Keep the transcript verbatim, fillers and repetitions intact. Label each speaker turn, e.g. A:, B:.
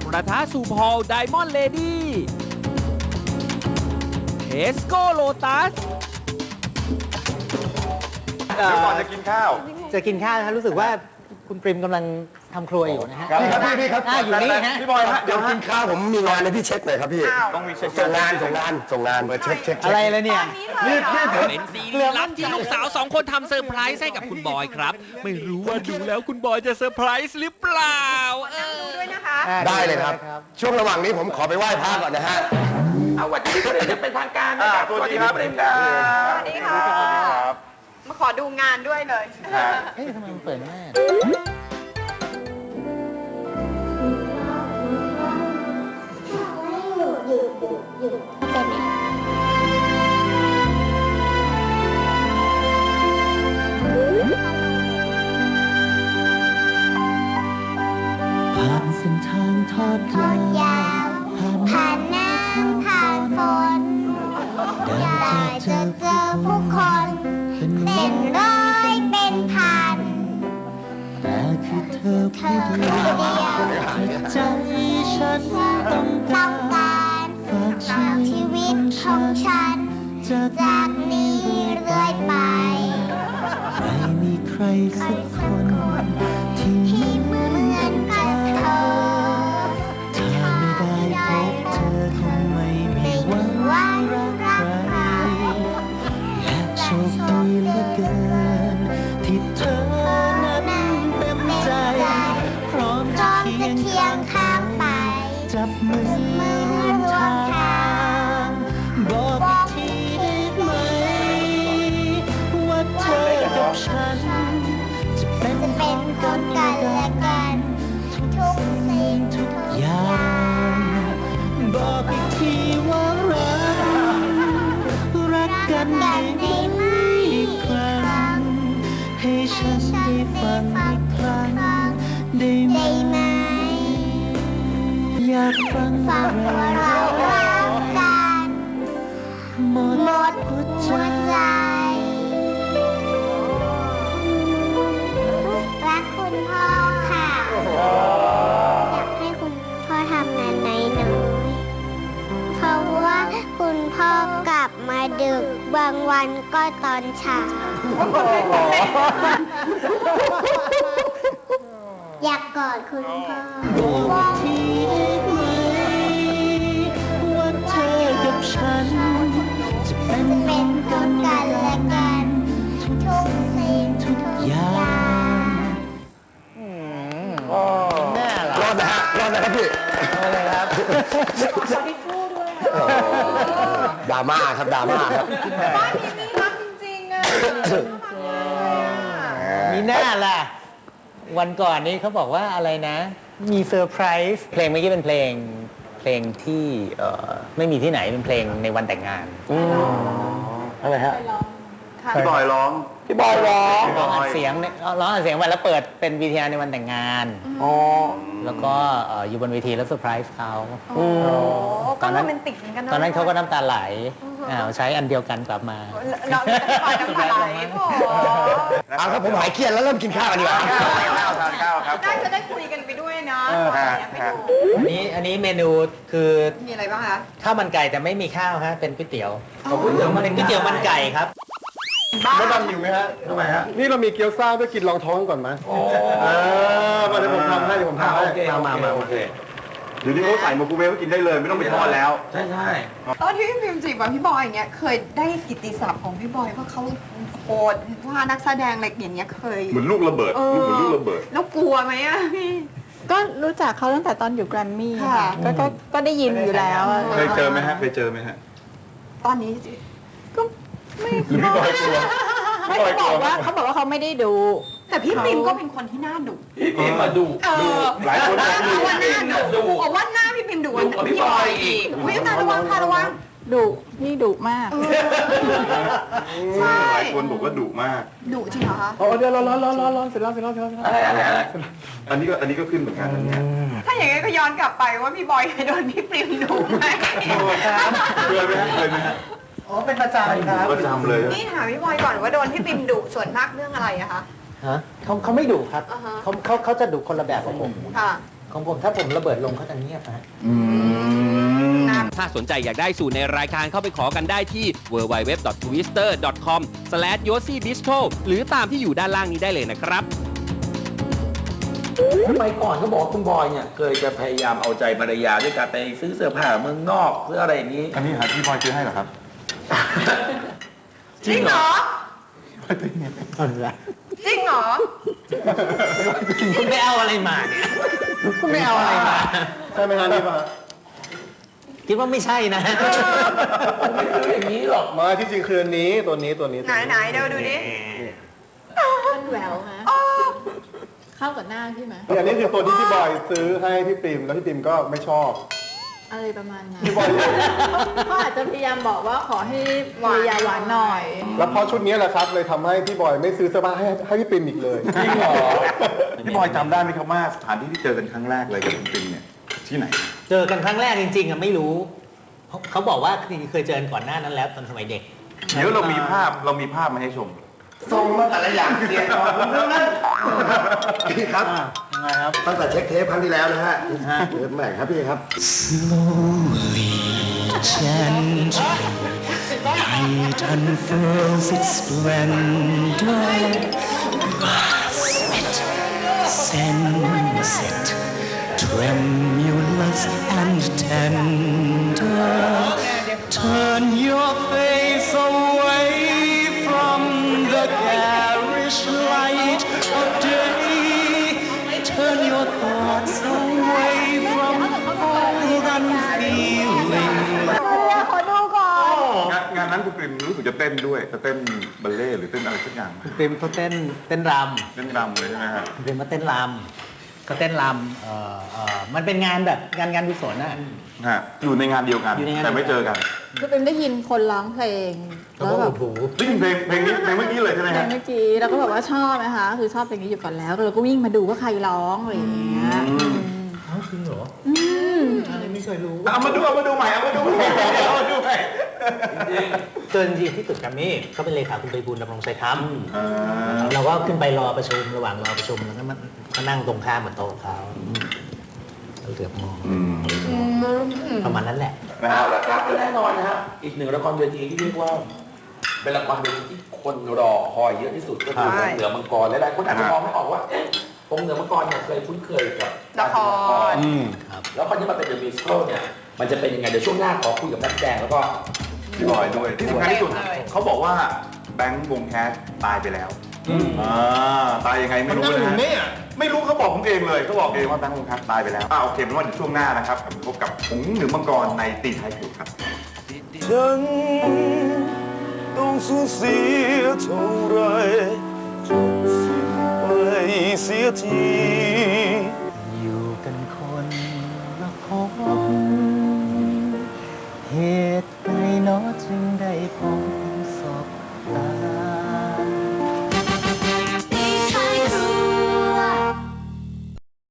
A: กระทะสู่พอลไดมอนด์เลดี้เทสโก้โลตัส
B: เดี๋ยวก่อนจะกินข้าว
C: จะกินข้าวนะรู้สึกว่าคุณปริมกำลังทำครัวอยู่นะฮะ
B: ครับพี่พี่ครับ
C: อ่าอยู่นี่ฮะ
B: พี่บอยฮะ
D: เดี๋ยวกินข้าวผมมีงานเลยพี่เช็คหน่อยครับพี่
B: ต้องมีเช็ค
D: ส่งงานส่งงานส่งงานเช็คเช็ค
C: อะไรเลยเนี่ย
B: นี่นี่ผม
A: เป็นซีรีส์ลับที่ลูกสาวสองคนทำเซอร์ไพรส์ให้กับคุณบอยครับ ไม่รู้ว่าดูแล้วคุณบอยจะเซอร์ไพรส์หรือเปล่าเออ
E: ด้วยนะคะ
D: ได้เลยครับ ช่วงระหว่างนี้ผมขอไปไหว้พระก่อนนะฮะ
F: เอาวันนี้ก็จะเป็นทางการ
B: อ่า
F: นะครับ
B: ตัวนี้ครับ
F: สวัสดีครับ
E: สวัสดีค่ะ มาขอดูงานด้วยเลย
C: เฮ้ยทำไมมันเปิดแม่
G: ผ่านเส้นทางทอดยาว
H: ผ่านน้ำผ่านฝนได้จะเจอผู้คน เป็นร้อยเป็นพัน
G: แต่คือเธอ
H: เธ
G: ผู้
H: อ
G: เดียว
H: ผู้เดียว
G: ใจฉันต้อง
H: ต้
G: กา
H: อง
G: ร
H: การฝากชีวิตของฉัน
G: จะ
H: จากนี้เรื่อยไป
G: ไม่มีใครสักคน ที่
H: ที่เหมือนกับเธอ
G: ถ้าไม่ได้พบเธอคงไม่มี
H: ไม่
G: วั
H: มี
G: น
H: วัน
G: รัก
H: รัก
G: ใค
H: ใค
G: ร
H: ร
G: และโชคดีเหลือเกิน ที่เธอนั้นเต็มใจ พร้อม
H: พ
G: จะ
H: ร้อม
G: เคี
H: จะ
G: ยง
H: เคีย
G: ข้าง ง
H: ข้างไป
G: จับมือ
H: มือ
G: ร่วม
H: ร่ว
G: ทาม
H: ทาง
G: งบอกอีกทีได้ไหม ว่าเธอกับฉัน จะเป็น
H: จะ
G: ข
H: เป็
G: อน ง
H: ค
G: กัน
H: น
G: และ
H: กัน
G: กั
H: และ
G: น
H: กัน ทุกสิ่งทุกอา
G: อย่ย่าง งบอกอีกทีว่ารัก รักกันได้ไหมอีกครั้ง ให้ฉันได้ฟังอีกครั้ง ได้ไหม
H: ได้ไหม
G: อยากฟัง
H: ฟั
G: ว่าง
H: ว่า
G: เรา
H: เรารักกัน
G: หมด
H: หมด
G: หัวใจ
H: หัวใจ รักคุณพ่อค่ะ อยากให้คุณพ่อทำงานน้อยๆเพราะว่าคุณพ่อกลับมาดึกบางวันก็ตอนเช้า อยากกอดคุณพ่อ
G: บอกทีได้ไหมว่าเธอกับฉัน จะเป็น
H: จะ
G: ข
H: เป็
G: อนง
H: ค
G: กัน
H: น
G: และ
H: กัน
G: กั
H: และ
G: น
H: กัน ทุกสิ่งทุกอย่าง
C: แน่เหรอ
D: รอดนะฮะรอดนะครับพี่
C: อะไรครับ
D: ดราม่าครับดราม่าครับ
E: บ้านนี้นี่รักจริงๆอ่ะ
C: มีหน้าล่ะ วันก่อนนี้เขาบอกว่าอะไรนะ มีเซอร์ไพรส์เพลงเมื่อกี้เป็นเพลงเพลงที่เอ่อไม่มีที่ไหนเป็นเพลงในวันแต่งงาน
D: อะไรฮะ
B: พี่บอยร้อง
D: พี่บอยร้อง
C: ร้องอัดเสียงเนี่ยร้องอัดเสียงไว้แล้วเปิดเป็นวีทีอาร์ในวันแต่งงาน
D: อ๋อ
C: แล้วก็เอ่ออยู่บนเวทีแล้วเซอร์ไพรส์เขา
E: โอ้
C: ต
E: ก็
C: อน
E: โร
C: นั้น
E: แมนติกเหมือนกันนะ
C: ตอนนั้นเขาก็น้ำตาไหลอ่าใช้อันเดียวกันกลับมา
E: เราจะปล่อยน้ำตาไหลโอ้
D: เอาครับผมหายเครียดแล้วเริ่มกินข้าวกันดีกว่า
B: ข้าวทานข้าวครับ
E: ได้จะได้คุยกันไปด้วยนะ
B: เออฮะ
E: ไป
B: ฮะ
E: ดู
C: อันนี้อันนี้เมนูคือ
E: มีอะไรบ้างคะ
C: ข้าวมันไก่แต่ไม่มีข้าวฮะเป็นก๋วยเตี๋ยวก๋วยเตี๋ยวมันเป็นก๋วยเตี๋ยวมันไก่ครับ
B: มดดำหิวไหมฮะทำไมฮะ
D: นี่เรามีเกี๊ยวซ่าด้วยกินรองท้องก่อนไหมอ่ามาเดี๋ยวผมทำให้เดี๋ยวผมทำให้มามามาโอเค
B: เดี๋ยวนี้เขาใส่ไมโครเวฟไว้กินได้เลย ไม่ต้องไปทอดแล้ว
F: ใช่ใช่
E: ตอนที่พี่พิมจีบกับพี่บอยอย่างเงี้ยเคยได้กิตติศัพท์ของพี่บอยว่าเขาโหดว่านักแสดงอะไรอย่างเงี้ยเคย
B: เหมือนลูกระเบิด
E: เอ
B: ลูกเหมือน
E: อ
B: ลูกระเบิด
E: แล้วกลัวไหมอะพี่
I: ก็รู้จักเขาตั้งแต่ตอนอยู่แกรมมี่
E: ค่ะ
I: ค่ะก็ก็ก็ได้ยินอยู่แล้วอะ
B: เคยเจอไหมฮะ เคยเจอไหมฮะ
E: ตอนนี้
I: ก็ไม่
B: หรือพี่บอยกลัว
I: ไม่เขาบอกว่าเขาบอกว่าเขาไม่ได้ดู
E: แต่พี่พิมก็เป็นคนที่น่าดุ
F: พี่พิมมาดู
E: เออ
B: หลายคนบอก
E: เพ
B: ดุ
E: ราะว่าหน้าดุ
F: ดุ
E: บอกว่าหน้าพี่พิมดุกว่า
F: ดุกว่าพี่
E: พี่บอย
F: บอยอี
E: อีก
F: ก
E: อุ้ยตาระวังตาระวัง
I: ดุนี่ดุมาก
E: ใช่
B: หลายคนบอกว่าดุมาก
E: ดุจริงเหรอคะ
D: อ๋อเดี๋ยวร้อนร้อนร้อนร้อนร้อนเสร็จแล้วเสร็จแล้วเสร็จแล้ว
F: อะไรอะไรอะไร
B: อันนี้ก็อันนี้ก็ขึ้นเหมือนกันนะเนี่ย
E: ถ้าอย่างงี้นก็ย้อนกลับไปว่าพี่บอยเคยโดนพี่ปริมดุไหม
B: เคยไหมฮะเคยไหมฮะ
C: อ๋อเป็นประจำครับ
B: ประจำเลย
E: นี่ถามพี่บอยก่อนว่าโดนพี่ปริมดุส่วนมากเรื่องอะไรอะคะ
C: ฮะเขาเขาไม่ดุครับ
E: อ่าฮะ
C: เขาเขาเขาจะดุคนละแบบกับผม
E: ค่ะ
C: ของผมถ้าผมระเบิดลงเขาจะเงียบนะ
A: ถ้าสนใจอยากได้สูตรในรายการเข้าไปขอกันได้ที่ ดับเบิลยู ดับเบิลยู ดับเบิลยู ดอท ทวิสเตอร์ ดอท คอม สแลช โยซี่ บิสโทร หรือตามที่อยู่ด้านล่างนี้ได้เลยนะครับ
F: ทำไมก่อนเขาบอกว่าคุณบอยเนี่ยเคยจะพยายามเอาใจภรรยาด้วยการไปซื้อเสื้อผ้าเมืองนอกซื้ออะไรอย่างนี้
B: อันนี้หาพี่บอยซื้อให้เหรอครับ
E: จริงเหรอ
C: เอาละ
E: จริงเหรอ
C: คุณไปเอาอะไรมาเนี่ยคุณไปเอาอะไรมา
D: ใช่ไหมฮะนี่ป่ะ
C: คิดว่าไม่ใช่นะ
F: ไม่ซื้ออย่างนี้หรอก
D: มาที่จริงคืออันนี้ตัวนี้ตัวนี้
E: ไหนไหนเดี๋ยวดูดิ
I: มันแหววฮะเข้ากับหน้าพี่ไหม
D: อันนี้คือตัวที่พี่บอยซื้อให้พี่ปิมแล้วพี่ปิมก็ไม่ชอบ
I: อะไรประมาณนั้น
D: พี่บอย
I: เขาอาจจะพยายามบอกว่าขอให้ภรรยาหวานหน่อย
D: แล้วเพราะชุดนี้แหละครับเลยทำให้พี่บอยไม่ซื้อเสื้อผ้าให้ให้พี่ปิมอีกเลย
B: จริงเหรอ พี่บอยจำได้ไหมครับว่าสถานที่ที่เจอกันครั้งแรกเลยกับคุณปิมเนี่ยที่ไหน
C: เจอกันครั้งแรกจริงๆอะไม่รู้เขาเขาบอกว่าเคยเจอกันก่อนหน้านั้นแล้วตอนสมัยเด็ก
B: เดี๋ยวเรามีภาพเรามีภาพมาให้ชม
J: ส่งมาแต่ละอย่างเสียก่อนผมทั้งนั้นพี่ครับ
D: ยังไงครับ
J: ตั้งแต่เช็คเทปครั้งที่แล้วนะฮะเทปใหม่ครับพี่ครับ
G: Slowly, gently, light unfurls its splendor. Sweet sunset, tremulous and tender. Turn your face away from the garish light of day. Turn your thoughts away from all unfeeling.
E: ขอดูก่อน
B: งานงานนั้นคุณปิมรู้สึกจะเต้นด้วยจะเต้นบัลเล่ต์หรือเต้นอะไรสักอย่างไหม
C: ปิมเขาเต้นเต้นร
B: เต้นรำเลยใช่ไหมฮะ
C: ำปิมมาเต้นรำเขาเต้นรำเอ่อเอ่อมันเป็นงานแบบงานงานกุศลนะ
B: ฮะอยู่ในงานเดียวกัน
C: อยู่ในงาน
B: แต่ไม่เจอกัน
I: คือเป็นได้ยินคนร้องเพลง
C: เขา
I: แล้ว
C: ก็
I: แบ
C: อุ
I: บ
C: ดหู
B: ได้ยินเพลงเพลงนี้เพลงเมื่อกี้เลยใช่ไหม
I: เพล
B: ฮะ
I: งเมื่อกี้เราก็แบบว่าชอบนะคะ คือชอบเพลงนี้อยู่ก่อนแล้วเราก็วิ่งมาดูว่าใครร้องอะไรอย่างเงี้ย
C: จริงเหรอ
I: อืม
C: อะไรไม่เคยรู้
B: เอามาดูเอามาดูใหม่เอามาดูใหม่เอามาดูใหม่
C: เจอจริงๆที่ตึกแกรมมี่ก็เป็นเลขาคุณไปบูลย์ดำรงชัยธรรม
B: อ่า
C: เราก็ขึ้นไปรอประชุมระหว่างรอประชุมแล้วก็มาก็นั่งตรงข้ามกับโต๊ะเขาเราเหลือบมอง
B: อืม
C: ประมาณนั้นแหละ
B: นะ
F: เอา
B: ฮะ
F: ละครับแน่นอนนะฮะอีกหนึ่งละครเวทีที่เรียกว่า เป็นละครเวทีที่คนรอคอยเยอะที่สุดก็คือ
E: ใช่
F: เหนือมังกรหลายๆคนอาจจะมองไม่ออกว่าเอ๊ะองค์เหนือมังกรเนี่ยเคยคุ้นเคยกับ
E: ละคร
B: อืม
F: แล้วคราวนี้มาเป็นเดอะมิวสิคลเนี่ยมันจะเป็นยังไงเดี๋ยวช่วงหน้าขอคุยกับนักแสดงแล้วก็
B: พี่บอยด้วยที่สำคัญที่สุดเขาบอกว่าแบงค์วงแคสตายไปแล้วอ่าตายยังไงไม่รู้นะฮะไม่รู้เขาบอกผมเองเลยเขาบอกเองว่าแบงค์วงแคสตายไปแล้วอ่าโอเคเป็นว่าเดี๋ยวช่วงหน้านะครับพบกับหงส์เหนือมังกรในตีท้ายครัวครับ
G: ฉันต้องสูญเสียเท่าไรจงสิ้นไปเสียที อยู่กันคนละพบเหตุใดเนาะจึงได้พบศพ